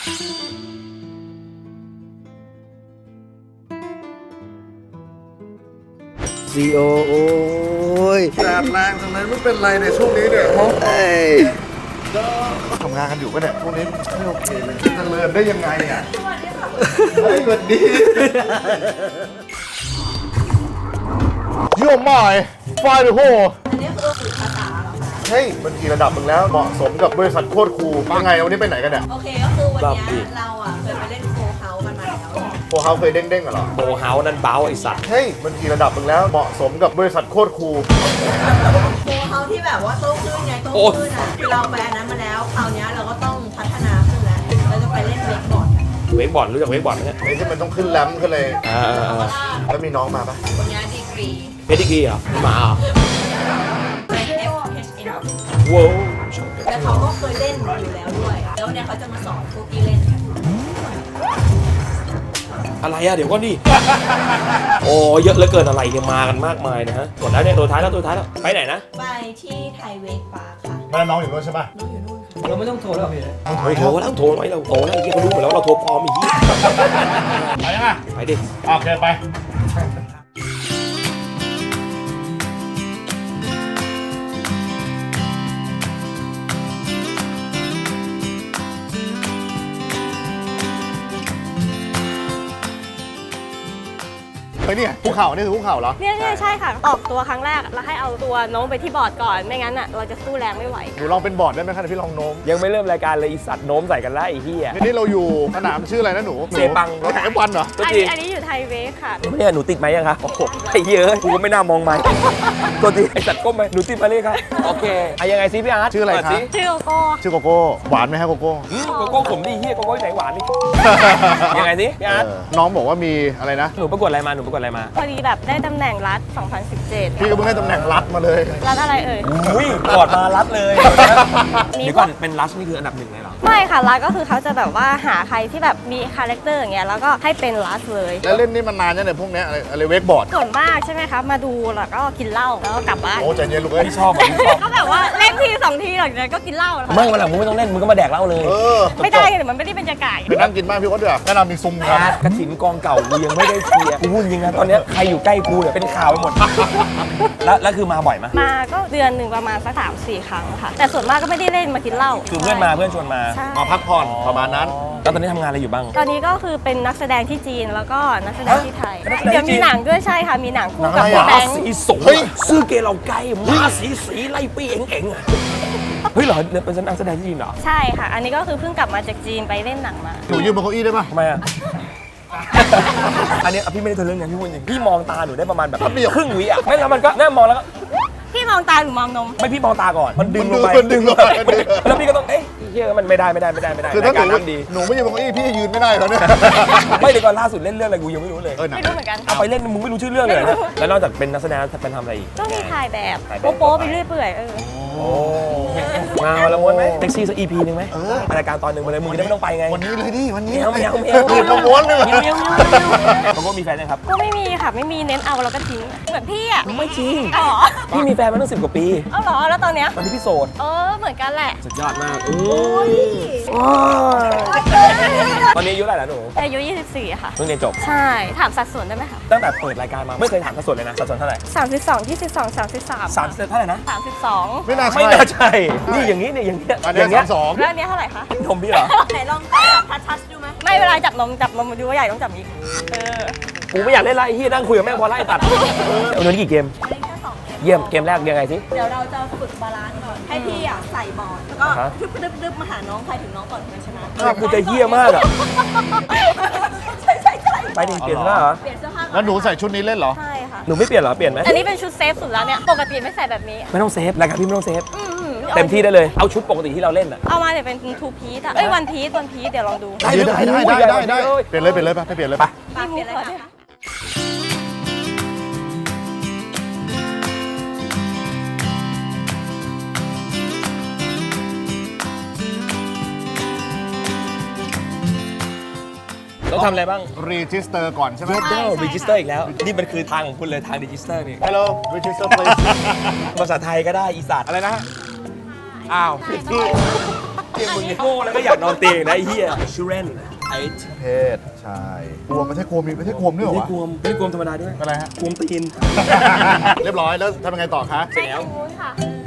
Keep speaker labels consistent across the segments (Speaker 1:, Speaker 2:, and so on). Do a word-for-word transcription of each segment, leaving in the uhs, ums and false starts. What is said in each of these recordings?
Speaker 1: ซีโอโอ้ยแดดแรงทำไมไม่เป็นไรเนี่ยช่วงนี้เนี่ยฮะทำงานกันอยู่ปะเนี่ยพวกนี้ไม่โอเคเลยจะเลินได้ยังไงอ่ะสวัสดีค่ะสวัสดีโยมใหม่ไฟหรือโห
Speaker 2: อันนี้คือฝึกภาษาเหรอคะ
Speaker 1: เฮ้ยมันกี่ระดับมึงแล้วเหมาะสมกับบริษัทโคตรคูลยังไงวันนี้ไปไหนกันเนี่ย
Speaker 2: โอเคก็คือวันนี้เราอ่ะเคยไปเล่นโฟเฮาส์กันมาแล้ว
Speaker 1: โฟเฮาส์เคยเด้งๆกันเหรอ
Speaker 3: โฟเฮาส์นั่นเบ้าไอสัตว์
Speaker 1: เฮ้ยมันกี่ระดับมึงแล้วเหมาะสมกับบริษัทโคตรคูล
Speaker 2: โฟเฮาส์ที่แบบว่าโต้คลื่นไงโต้คลื่นอ่ะเราไปอันนั้นมาแล้วคราวนี้เราก็ต้องพัฒนาขึ้นแล้วเราจะไปเล่นเวกบอร์ดกัน
Speaker 3: เวกบอร์ดรู้จักเวกบอร์ดไหมเนี่ย
Speaker 1: ไอ้ที่มันต้องขึ้นแรมขึ้นเลย
Speaker 3: อ่า
Speaker 1: แล้วมีน้องมาปะ
Speaker 2: คนนี้ดีกรี
Speaker 3: เพดิกรีเหรอหมาเหรอ
Speaker 2: เป็น เอฟ เอช เอ็น
Speaker 3: ว้าว
Speaker 2: แล้วเขาก็เคยเล่นอยู่แล้วด้วยแล้วเนี่ยเขาจะมาสอนพวกที่เล่นกัน
Speaker 3: อะไรอะเดี๋ยวก็นี่โอ้เยอะเหลือเกินอะไรเนี่ยมากันมากมายนะฮะกดแล้วเนี่ยตัวท้ายแล้วตัวท้ายแล้วไปไหนนะ
Speaker 2: ไปที่ไทยเวกปาร์คค่ะ
Speaker 1: แม่น้องอยู่นู้นใช่ปะ
Speaker 2: น้องอยู่นู่นค่ะ
Speaker 4: เราไม่ต้องโทรแล้วพี่
Speaker 3: โทรโทรแล้วโทรไว้เราโทรแล้วไอ้เหี้ยเขารู้หมดแล้วเราโทรปลอมอีกที
Speaker 1: ไปยังไง
Speaker 3: ไปดิ
Speaker 1: โอเคไปไปเนี่ยภูเขานี่คือภูเขาเหรอ
Speaker 5: เนี่ยเนี่ยใช่ค่ะออกตัวครั้งแรกแล้วให้เอาตัวโน้มไปที่บอร์ดก่อนไม่งั้นอ่ะเราจะสู้แรงไม่ไหว
Speaker 1: หนูลองเป็นบอร์ดได้ไหมครับพี่ลองโน้ม
Speaker 3: ยังไม่เริ่มรายการเลยอีสัตว์โน้มใส่กันแล้วไอ้เหี้ย
Speaker 1: ทีนี้เราอยู่สนามชื่ออะไรนะหนู
Speaker 3: เซปัง
Speaker 1: เราแข่งบอลเหรอ
Speaker 5: อันนี้อันนี้อยู่ไทยเวกค่ะ
Speaker 3: เนี่ยหนูติดไหมยังคะโอ้โหไอ้เหี้ยกูก็ไม่น่ามองไหมตัวทีไอ้สัตว์ก้มไปหนูติดมาเลยครับโอเคอะยังไงซิพี่อาร์ต
Speaker 1: ชื่ออะไรครับ
Speaker 5: ชื่อโกโก้
Speaker 1: ชื่อโกโก้หวานไหมฮะโกโก้
Speaker 3: โกโก้ผมดิเหี้ยโกโก้ไหนหวานนี่ยังไงซิพี่อาร์ต
Speaker 1: น้องบอกว่ามีอะไรนะ
Speaker 3: หนูประกวดอะไรมาหนูประกวดอะไรมา
Speaker 5: พอดีแบบได้ตำแหน่งรัฐสองพันสิบเจ็ด
Speaker 1: พี่ก็เพิ่งได้ตำแหน่งรัฐมาเลย
Speaker 5: รัฐอะไรเอ่ย
Speaker 3: อุ้ยกอดมารัฐเลยเดี๋ยวก่อนเป็นรัฐนี่คืออันดับหนึ่งเลยเหรอ
Speaker 5: ไม่ค่ะรัฐก็คือเขาจะแบบว่าหาใครที่แบบมีคาแรคเตอร์อย่างเงี้ยแล้วก็ให้เป็นรัฐเลย
Speaker 1: แล้วเล่นนี่มันนานยังเนี่ยพวกนี้อะไรอะไรเวกบอร์ด
Speaker 5: ส่วนมากใช่ไหมคะมาดูแล้วก็กินเหล้าแล้วก็กลับบ้าน
Speaker 1: โอ้ใจเย็นลูกเอ้ย
Speaker 3: พี่ชอบพี่ชอบ
Speaker 5: ก็แบบว่าเล่นทีสองทีหลังจากนั้นก็กินเหล้า
Speaker 3: ไม่วันหลังมึงไม่ต้องเล่นมึงก็มาแดกเหล้าเลย
Speaker 5: ไม่ได้เดี๋ยวมันไม่ได้เป็นจะก่าย
Speaker 1: ไปนั่งกินบ้างพี่ว่าเดี๋ยวแนะนำมีซุ้มครับ
Speaker 3: กระถิ่นกองเก่ากูยังไม่ได้เคลียร์กูพูดจริงนะตอนนี้ใครอยู่ใกล้กูเนี่ยเป็นข่าวไปหมดแล้วแล้วคือมาบ่อยไหม
Speaker 5: มาก็เดือนหนึ่งประมาณสักสามสี่ครั้งค่ะแต่ส่วนมากก็ไม่ได้เล่นมากินเหล้า
Speaker 3: คือเพื่อนมาเพื่อนชวนมา
Speaker 1: มาพักผ่อนประมาณนั้น
Speaker 3: แล้วตอนนี้ทำงานอะไรอยู่บ้าง
Speaker 5: ตอนนี้ก็คือเป็นนักแสดงที่จีนแล้วก็นักแสดงที่ไทยเดี๋ยวมีหนังด้วยใช่ค่ะมีหนังคู่กับพี่แบงค์
Speaker 3: สีสงซื้อเกลเราไก่มาสีสีไล่ปีเอ็งเอ็งเฮ้ยเหรอเป็นนักแสดงที่จีนเหรอ
Speaker 5: ใช่ค่ะอันนี้ก็คือเพิ่งกลับมาจากจีนไปเล่นหนังมา
Speaker 1: หนูยืมบนเก้าอี้ได้ปะ
Speaker 3: ทำไมอ่ะอันนี้พี่ไม่ได้ทะลึ่งนะพี่พูดจริงพี่มองตาหนูได้ประมาณแบบครึ่งวิอ่ะไม่แล้วมันก็แน่มองแล้วก็
Speaker 5: พี่มองตาหรือมองนม
Speaker 3: ไม่พี่มองตาก่อนมันดึงลงไป
Speaker 1: มันดึงลงไป
Speaker 3: แล้วพี่ก็ต้องเอ๊ะเฮ้ยมันไม่ได้ไม่ได้ไม่ได้ไม่ได้
Speaker 1: คือถ้าหนูหนูไม่ยืนบนเก้าอี้พี่ยืนไม่ได้แล้วเนี่ย
Speaker 3: ไม่เลยก่อนล่าสุดเล่นเรื่องอะไรกูยังไม่รู้เลย
Speaker 5: ไม่รู้เหมือนกัน
Speaker 3: เอาไปเล่นมึงไม่รู้ชื่อเรื่องเลยนะแล้วนอกจากเป็นนักแสดงเป็นทำอะไรอีก
Speaker 5: ก็มีถ่ายแบบโป๊ะไปเรื่อยเปื่อยเออ
Speaker 3: โอ้งานวันละม้วนไหมแท็กซี่สักอีพีนึงไหมรายการตอนหนึ่งมาเลยมึงจะไม่ต้องไปไง
Speaker 1: วันนี้เลยดิวันนี้
Speaker 3: ไม่เอาไม่
Speaker 1: เอาไม่เอาม้วนเลย
Speaker 3: เขาก็มีแฟนยังครับ
Speaker 5: ก็ไม่มีค่ะไม่มีเน้นเอาแล้วก็ทิ้งเหมือนพี่อ่ะ
Speaker 3: ไม่จริงพี่มีแฟนมาตั้งสิบกว่าปี
Speaker 5: เอาเหรอแล้วตอนเนี้ย
Speaker 3: ตอนที่พี่โสด
Speaker 5: เออเหมือนกันแหละ
Speaker 3: สุดยอดมากโอ้ยตอนนี้อายุเท่าไหร่แล้วหนู
Speaker 5: อายุยี่สิบสี่ค่ะ
Speaker 3: เพิ่งเรียนจบ
Speaker 5: ใช่ถามสัดส่วนได้ไหมคะ
Speaker 3: ตั้งแต่เปิดรายการมาไม่เคยถามสัดส่วนเลยนะสัดส่วนเท่าไหร่
Speaker 5: สามสิบสองยี่สิบสองสามสิบสาม
Speaker 3: สามสิบเท่าไหร่นะ
Speaker 5: สามสิบสอง
Speaker 1: ไม่น่าใช่
Speaker 3: ไม่น่าใช่นี่อย่างนี้เนี่ยอย่างเงี้ย
Speaker 1: อย่างเงี้ยสอง
Speaker 5: แล้วอันนี้เท่าไหร่คะ
Speaker 3: นมพี่เหรอ
Speaker 2: ไหนลองจับทัชดูไหม
Speaker 5: ไม่เวลาจับนมจับนมดูว่าใหญ่ต้องจับอีกเออ
Speaker 3: กูไม่อยากเล่นไรที่นั่งคุยกับแม่พอไล่ตัดเอาเงินกี่เกมเยี่ยมเกมแรกยังไงสิ
Speaker 2: เดี๋ยวเราจะฝึกบาลานซ์ก่อนให้พี่อ่ะใส่บอลแล้วก็ดึบดึบดึบมาหาน้องใครถึงน้องก่อนเป็นชนะ
Speaker 3: กูจะเยี่ยมากอ่ะ
Speaker 2: ใช่ใช่ใช่
Speaker 3: ไปดิเปลี่ยนเสื้อเหรอ
Speaker 2: เปลี่ยนเสื้อผ้า
Speaker 1: แล้วหนูใส่ชุดนี้เล่นเหรอ
Speaker 5: ใช่ค่ะ
Speaker 3: หนูไม่เปลี่ยนเหรอเปลี่ยนไหม
Speaker 5: อันนี้เป็นชุดเซฟสุดแล้วเนี่ยปกติไม่ใส่แบบนี้
Speaker 3: ไม่ต้องเซฟรายการพี่ไม่ต้องเซฟเต็มที่ได้เลยเอาชุดปกติที่เราเล่นอ่ะ
Speaker 5: เอามาเดี๋ยวเป็นทูพีซอ่ะเอ้ยวันพีซวันพีซเดี๋ยวลองดู
Speaker 1: ได้ได้ได้ได้ได้เปลี่ยนเลยเปลี่ยนเลยไปเปลี่ยนเลยไป
Speaker 2: เปลี่ยนเลยค่ะ
Speaker 3: ต้องทำอะไรบ้าง
Speaker 1: รีจิสเตอร์ก่อนใช่ไหม
Speaker 3: เดี๋ยวรีจิสเตอร์อีกแล้วนี่มันคือทางของคุณเลยทางรีจิสเตอร์นี่
Speaker 1: Hello register please
Speaker 3: ภาษาไทยก็ได้อีสัตว์
Speaker 1: อะไรนะอ้าวผิดที่
Speaker 3: เกมมึงโง่แล้วก็อยากนอนเตียงนะไอ้เหี้ยชูเรนไอ้
Speaker 1: เพศชายกวมไม่ใช่กวมมีไม่ใช่กวมด้วยเหรอ
Speaker 3: ไม่
Speaker 1: วะ
Speaker 3: กวมไม่กวมธรรมดาด้วย
Speaker 1: อะไรฮะ
Speaker 3: กวมตีน
Speaker 1: เรียบร้อยแล้วทำยังไงต่อคะ
Speaker 3: เสร็จแล้ว
Speaker 5: นู้นค่ะ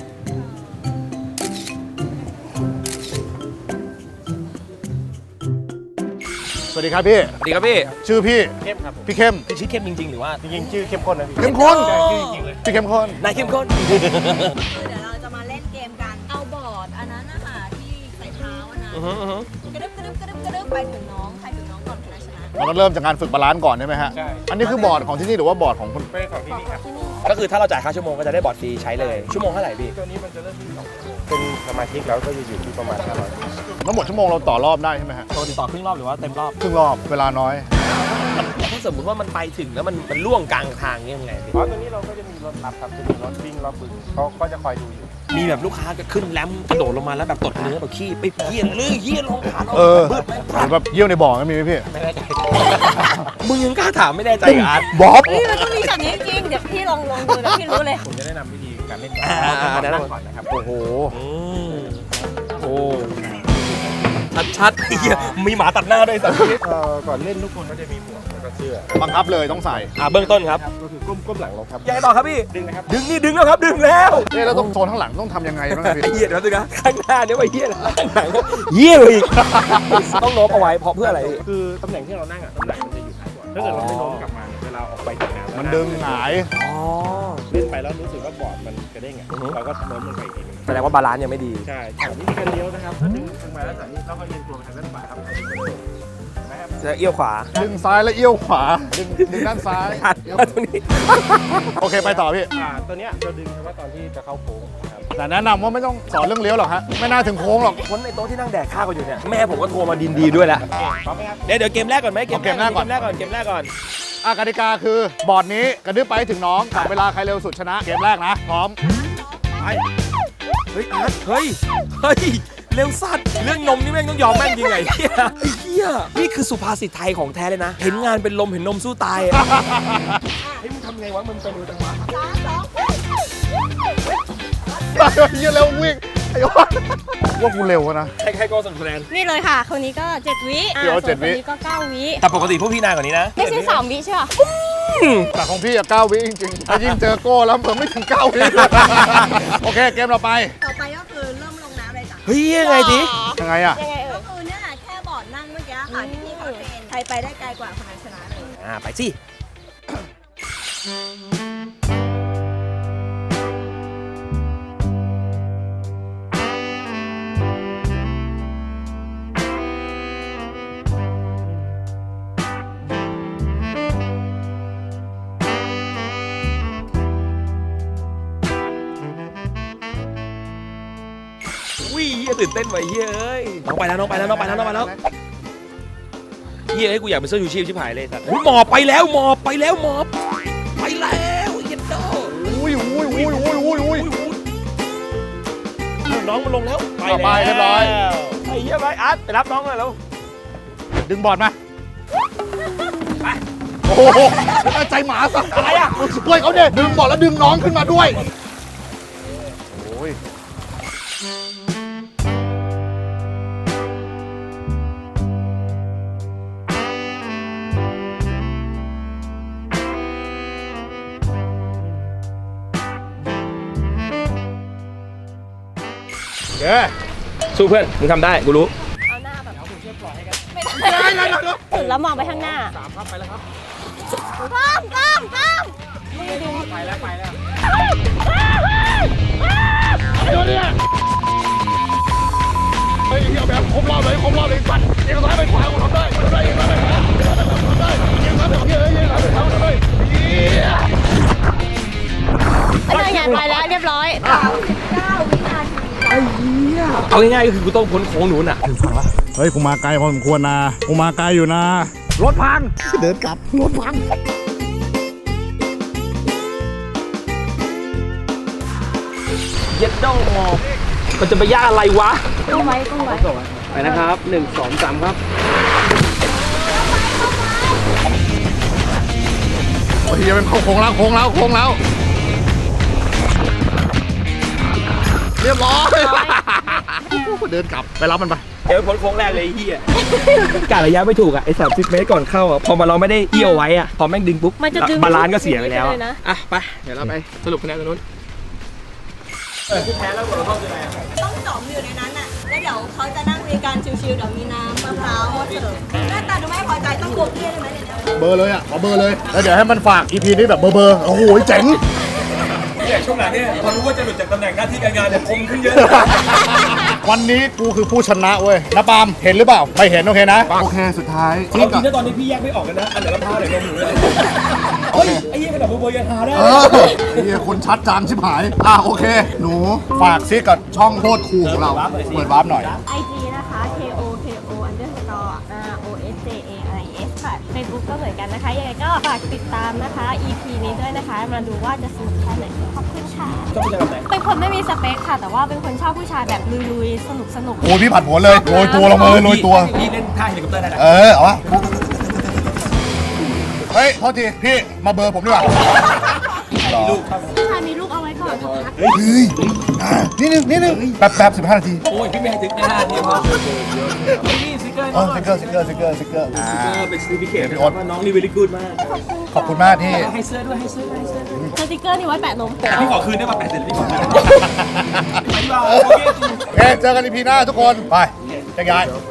Speaker 1: สวัสดีครับพี่
Speaker 3: สวัสดีครับพี่
Speaker 1: ชื่อพี่
Speaker 3: เข้มครับ
Speaker 1: พี่เข้ม
Speaker 3: พี่ชื่อเข้มจริงๆหรือว่า
Speaker 4: จริงๆชื่อเข้มข้นนะพี่
Speaker 1: เข้มข้น
Speaker 4: ใช่ชื่อจริงๆเลย
Speaker 1: พี่เข้มข้น
Speaker 3: นายเข้มข้น
Speaker 2: คือเดี๋ยวเราจะมาเล่นเกมกัน เอาบอร์ดอันนั้นนะคะที่ใส่เท้าอันนั้น
Speaker 3: อือฮึอือฮึ
Speaker 2: กระดึบกระดึบกระดึบกระดึบไปถึงน้อง ใครถึงน้องก่อนชนะชนะ
Speaker 1: เราก็เริ่มจากการฝึกบาลานซ์ก่อนใช่ไหมฮะ
Speaker 4: ใช่
Speaker 1: อันนี้คือบอร์ดของที่นี่หรือว่าบอร์ดของคุณ
Speaker 4: เป็นของที่นี่ครับ
Speaker 3: ก็คือถ้าเราจ่ายค่าชั่วโมงก็จะได้บอร์ดฟรีใช้เลย ชั่วโมงเท่าไหร่พี่
Speaker 4: ตัวนี้มันจะเริ่มที่สองชั่วโมงเป็นสมาชิกแล้วก็จะอยู่ที่ประมาณห้าร้อย
Speaker 1: ทั้งหมดชั่วโมงเราต่อรอบได้ใช่ไหมฮะ
Speaker 3: ปกติต่อครึ่งรอบหรือว่าเต็มรอบ
Speaker 1: ครึ่งรอบเวลาน้อย
Speaker 3: ถ้าสมมติว่ามันไปถึงแล้วมันมันล่วงกลางทางเนี่ยยังไงพี่
Speaker 4: เพราะตัวนี้เราก็จะมีรถรับครับจะมีรถวิ่งรอบบึงเขาก็จะคอยดูอยู่
Speaker 3: มีแบบลูกค้าก็ขึ้นแรมกระโดดลงมาแล้วแบบตดเนื้อแบบขี้ไปเหี้ยเลยเหี้ยลงขาเรา
Speaker 1: เออ
Speaker 3: บึ้ดไหม
Speaker 1: หรือแบบเยี่ยวในบ่อก็มีไหมพี่
Speaker 4: ไม่แน่ใจ
Speaker 3: มึงยังกล้าถามไม่แน่ใจกับอาร์ต
Speaker 1: บ๊อบ
Speaker 5: เฮ้ยมันต้องมีแบบนี้จริง เดี๋ยวพี่ลองลองดูแล้วพี่รู้เลย
Speaker 4: ผมจะแนะนำวิธีการเล่นก่อน
Speaker 3: อ่า
Speaker 4: เรา
Speaker 3: อ่า
Speaker 4: จะ
Speaker 3: แนะ
Speaker 4: นั่
Speaker 3: นำ
Speaker 4: งก่อนนะครับ
Speaker 1: โอ้โห
Speaker 3: อืมโอ้ชัดชัดๆไอ้เหี้ยมีหมาตัดหน้าด้วยสัตว์
Speaker 4: เอ่อก่อนเล่นทุกคนก็จะมีหมวกแล้วก็เสื้อ
Speaker 1: บังคับเลยต้องใส่
Speaker 3: อ่าเบื้องต้นครับ
Speaker 4: ครับก็คือก้มก้มหลังลงครับ
Speaker 3: ยังไงต่อครับพี่
Speaker 4: ดึงนะครับ
Speaker 3: ดึงนี่ดึงแล้วครับ ดึงแล้ว
Speaker 1: เอ๊ะแล้วต้องโซนข้างหลังต้องทำยังไงบ้างครับพี่
Speaker 3: ไอ้เหี้ยเดี๋ยวสินะข้างหน้าเนี่ยว่าเหี้ยอะไรข้างหลังก็เหี้ยเลยอีกต้องโน้มเอาไว้เพราะเพื่ออะไรพี่
Speaker 4: คือตำแหน่งที่เรานั่งอ่ะตำแหน่งมันจะอยู่ท้ายบอร์ดถ้าเกิดเราไม่โน้มกลับมาเนี่ยเวลาออกไปจากน้ำ
Speaker 1: มันดึงหงาย
Speaker 3: อ๋อ
Speaker 4: เล่นไปแล้วรู้สึกว่าบอร์ดมันกระเด้งอ่ะ
Speaker 3: อือฮึ
Speaker 4: เราก็โน้มลงไปอีกทีหนึง
Speaker 3: แสดงว่าบาลานซ์ยังไม่ดี
Speaker 4: ใช่จากวิธีการเลี้ยวนะครับถ้าดึงลงมาแล้วจากนี้เราก็เอียงตัวไปทางด้านขวาครับเห็นไหมครับ
Speaker 3: จะเอี้ยวขวา
Speaker 1: ดึงซ้ายแล้วเอี้ยวขวา ดึงดึงด้านซ้าย
Speaker 3: หันมาตรงนี้
Speaker 1: โอเคไปต่อพี่
Speaker 4: อ่าตัวเนี้ยเราดึงเฉพาะตอนที่จะเข้าโค้งนะครับ
Speaker 1: แต่แนะนำว่าไม่ต้องสอนเรื่องเลี้ยวหรอกฮะ ไม่น่าถึงโค้งหรอก
Speaker 3: คนในโต๊ะที่นั่งแดกข้าวกันอยู่เนี่ยแม่ผมก็โทรมาดินดีด้วยแหละ
Speaker 4: พร้อมไหมครับ
Speaker 3: เดี๋ยวเดี๋ยวเกมแรกก่อนไหม
Speaker 1: เอาเกมแรกก่อน
Speaker 3: เกมแรกก่อนเกมแรกก่อน
Speaker 1: อากติกาคือบอร์ดนี้กระดึ๊บไปให้ถึงน้องจับเวลาใครเร็วสุดชนะ เกมแรกนะ พร้อม
Speaker 3: ไปเฮ้ยอาร์ตเฮ้ยเฮ้ยเร็วสัตว์เรื่องนมนี่แม่งต้องยอมแม่งจริงไงเฮียไอ้เฮียนี่คือสุภาษิตไทยของแท้เลยนะ เห็นงานเป็นลมเห็นนมสู้ตายอะเฮ้ยมึงทำไงวะมึงเป็นมือจังหวะ
Speaker 2: สามสอง
Speaker 1: เยี่ยเร็ววิ่งไอ้ยอดว่ากูเร็วนะ
Speaker 3: ให้ให้โก้สนุกคะแนน
Speaker 5: นี่เลยค่ะ คนนี้ก็เจ็ดวิอ่ะ
Speaker 1: เดี๋ยว
Speaker 5: ส่วน
Speaker 1: เจ็ดวิ
Speaker 5: คนนี้ก็เก้าวิ
Speaker 3: แต่ปกติพวกพี่นานกว่านี้นะ
Speaker 5: ไม่ใช่สามวิใช่ป่ะ
Speaker 1: แต่ของพี่อะเก้าวิจริงๆถ้ายิ่งเจอโก้แล้วเพิ่มไม่ถึงเก้าวิ โอเคเกมเราไป
Speaker 2: ต่อไปก็คือเริ่มลงน้ำเลยจ้ะ
Speaker 3: เฮ้ยยังไงดิ
Speaker 1: ยังไงอะ
Speaker 5: ยังไงเอ่
Speaker 2: ก็
Speaker 5: ย
Speaker 2: คือเนี่ยแค่บอร์ดนั่งเมื่อกี้ค่ะที่พี่เขาเทรนใครไปได้ไกลกว่าคนนั้นชนะเลย
Speaker 3: อ่าไปสิวิ่งเฮียตื่นเต้นไว้เฮียเอ้ยน้องไปแล้วน้องไปแล้วน้องไปแล้วน้องไปแล้ว เฮียให้กูอยากเป็นเสื้อชูชีพชิบหายเลยสัตว์อุ๊ยหมอบไปแล้วหมอบไปแล้วหมอบไปแล้วเย็นโต
Speaker 1: อุ้ยอุ้ยอุ้ยอุ้ยอุ้ยอุ้ย
Speaker 3: น้องมันลงแล้ว
Speaker 1: ต่อไปเรียบร้อย
Speaker 3: ไอ้เหี้ยไปอาร์ตไปรับน้องเลยแล้ว
Speaker 1: ดึงบอร์ดมาโอ้โหแล้วใจหมาสัก
Speaker 3: อะไรอ่ะ
Speaker 1: ช่วยเขาเนี่ยดึงบอร์ดแล้วดึงน้องขึ้นมาด้วยโอ้ยเย้
Speaker 3: สู้เพื่อนมึงทำได้กูรู้
Speaker 5: เอาหน้าแบบเอาผมช่วยปล่อยให้กันไม่ได้สุดแล้วมองไปข้างหน้าสามครับไปแล้วครับป้อมป้อมป้อมไปแล้วไปแล้ว
Speaker 1: เฮ้ยเฮียแบบครบรอบเลยครบรอบเลยปัดเอียงซ้ายไปขวากูทำได้ทำได้เอียงซ้ายไปขวาทำได้เอียงซ้ายไปขวาเอียงซ้ายไปขวาทำได้เฮีย
Speaker 5: ไปเลยไงไปแล้วเรียบร้อย
Speaker 2: เก้าวินาที
Speaker 3: เอาง่ายๆก็คือกูต้องพ้นโค้งนู้นอ่ะ
Speaker 1: เฮ้ยกูมาไกลพอสมควรนะกูมาไกลอยู่นะรถพังเดินกลับรถพัง
Speaker 3: เย็ดด้องหมอบมันจะไปยากอะไรวะ
Speaker 5: ต้องไว้ต้องไว้
Speaker 3: ไปนะครับหนึ่งสองสามครับ
Speaker 1: โอ้ยยังเป็นโค้งแล้วโค้งแล้วโค้งแล้วเรียบร้อยเดินกลับไปรับมันไป
Speaker 3: เดี๋ยวพ้นโค้งแรกเลยไอ้เหี้ยกะระยะไม่ถูกอ่ะไอ้สามสิบเมตรก่อนเข้าอ่ะพอมาเราไม่ได้เอี้ยวไว้อ่ะพอแม่งดึงปุ๊บ
Speaker 5: มันจะดึง
Speaker 3: บาลานซ์ก็เสียไปแล้ว
Speaker 5: เล
Speaker 3: อะ
Speaker 5: ยนะ
Speaker 3: อ่ะไปเดี๋ยวเราไปสรุปคะแนนตรงนู้นเออที่แพ้แล้วเราเข้ายังไง
Speaker 2: ต้องจอมอยู่ในนั้นน่ะ แล้วเดี๋ยวเขาจะนั่งคุยกันชิวๆ เดี๋ยวมีน้ำมะพร้าวมาเสิร์ฟหน้าตาดูไม่พอใจต้องบวกเกี้ยได้ไหมเนี่ย
Speaker 1: เบอร์เลยอ่ะขอเบอร์เลยแล้วเดี๋ยวให้มันฝาก อี พี นี้แบบเบอร์เบอร์โอ้โหเจ๋ง
Speaker 3: เนี่ยช่วงหลังเนี่ยพอรู้ว่าจะหลุดจากตำแหน่งหน้าที่การงานเนี่ยคมขึ้นเยอะ
Speaker 1: วันนี้กูคือผู้ชนะเว้ยนะปาล์มเห็นหรือเปล่าไม่เห็นโอเคนะโอเคสุดท้าย
Speaker 3: เอาจริงนะตอนนี้พี่แยกไม่ออกกันนะอันไหนมะพร้าวไหนนมหนูเลยเฮ้ยไอ้เหี้ยขนาดเบอร์เบอร์ยังหาได้
Speaker 1: เออไอ้เหี้ยคนชัดจางชิบหายอ่ะโอเค หนูฝากซิกับช่องโคตรคูลของเราเปิดวาร์ปหน่อย
Speaker 5: ไอจีนะคะ K O K O underscore R O S J A I S ค่ะ Facebook ก็เหมือนกันนะคะ ยังไงก็ฝากติดตามนะคะ อี พี นี้ด้วยนะคะ มาดูว่าจะสนุกแค่ไหน ขอบคุณค่ะ
Speaker 3: ชอบผู้ชายแบบไหน
Speaker 5: เป็นคนไม่มีสเปคค่ะ แต่ว่าเป็นคนชอบผู้ชายแบบลุยๆ สนุกสนุก
Speaker 1: โอ้ยพี่ผัดผลเลยโรยตัวลงมาเลยโรยตัว
Speaker 3: พี่เล่นท่าเฮลิคอปเตอร์ได้นะ
Speaker 1: เออเอาวะเฮ้ยโทษทีพี่มาเบอร์ผมดีกว่า
Speaker 3: ลูกครับ
Speaker 5: ผู้ชายมีลูกเอาไว้ก่อนนะคะ
Speaker 1: เฮ้ยอ่ะนิดนึงนิดนึงแป๊บแป๊บสิบห้านาที
Speaker 3: โอ้ยพี่ไม่ให้ถึงห้าทีพอนี่สติ๊กเกอร์
Speaker 1: อ๋อสติ๊กเกอร์สติ๊กเกอร์สติ๊กเกอร์สติ๊กเกอร์อ่า
Speaker 3: เป็นสติ๊กเกอร์ว่าน้องนี่เวลี่กูดมาก
Speaker 1: ขอบคุณมากที่
Speaker 3: ให้เสื้อด้วยให้เสื้อด้วยให้เสื้อด้วย
Speaker 5: สติกเกอร์นี่ไว้แปะนม
Speaker 3: พี่ขอคืนได้ป่ะแปดเสร็จพี่ขอคืน
Speaker 1: โอเคเจอกันอีพีหน้าทุกคน ไปแยกย้าย